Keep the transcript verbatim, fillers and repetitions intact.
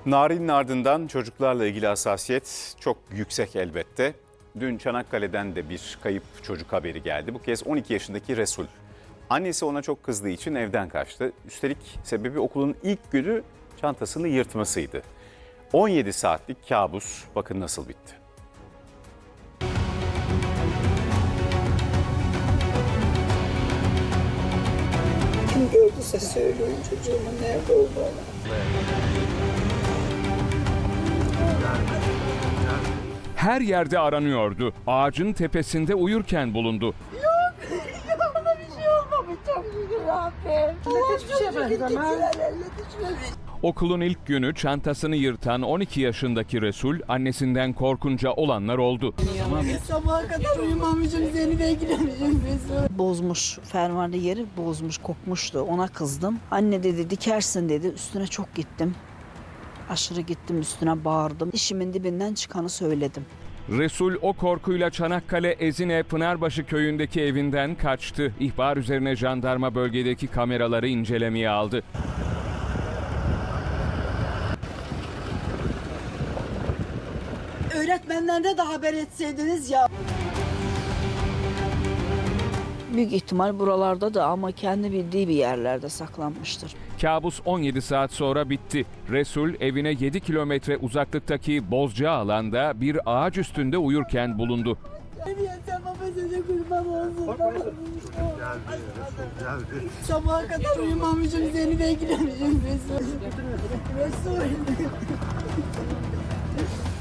Narin'in ardından çocuklarla ilgili hassasiyet çok yüksek elbette. Dün Çanakkale'den de bir kayıp çocuk haberi geldi. Bu kez on iki yaşındaki Resul. Annesi ona çok kızdığı için evden kaçtı. Üstelik sebebi okulun ilk günü çantasını yırtmasıydı. on yedi saatlik kabus bakın nasıl bitti. Kim gördüyse söyleyin çocuğumun nerede olduğunu. Her yerde aranıyordu. Ağacın tepesinde uyurken bulundu. Yok, yok ona bir şey olmamış çok şükür Rabbim. Hiçbir şey benzemez. Okulun ilk günü çantasını yırtan on iki yaşındaki Resul annesinden korkunca olanlar oldu. Sabaha kadar uyumamışım, seni beklemişim Resul. Bozmuş, fermuarlı yeri bozmuş, kokmuştu. Ona kızdım. Anne dedi dikersin dedi. Üstüne çok gittim. Aşırı gittim, üstüne bağırdım. İşimin dibinden çıkanı söyledim. Resul o korkuyla Çanakkale Ezine Pınarbaşı köyündeki evinden kaçtı. İhbar üzerine jandarma bölgedeki kameraları incelemeye aldı. Öğretmenlerine de haber etseydiniz ya. Büyük ihtimal buralarda da ama kendi bildiği bir yerlerde saklanmıştır. Kabus on yedi saat sonra bitti. Resul evine yedi kilometre uzaklıktaki Bozca alanda bir ağaç üstünde uyurken bulundu. Sen baba size kurban olsun. Sabaha kadar uyumamışım, seni beklemişim Resul. Resul.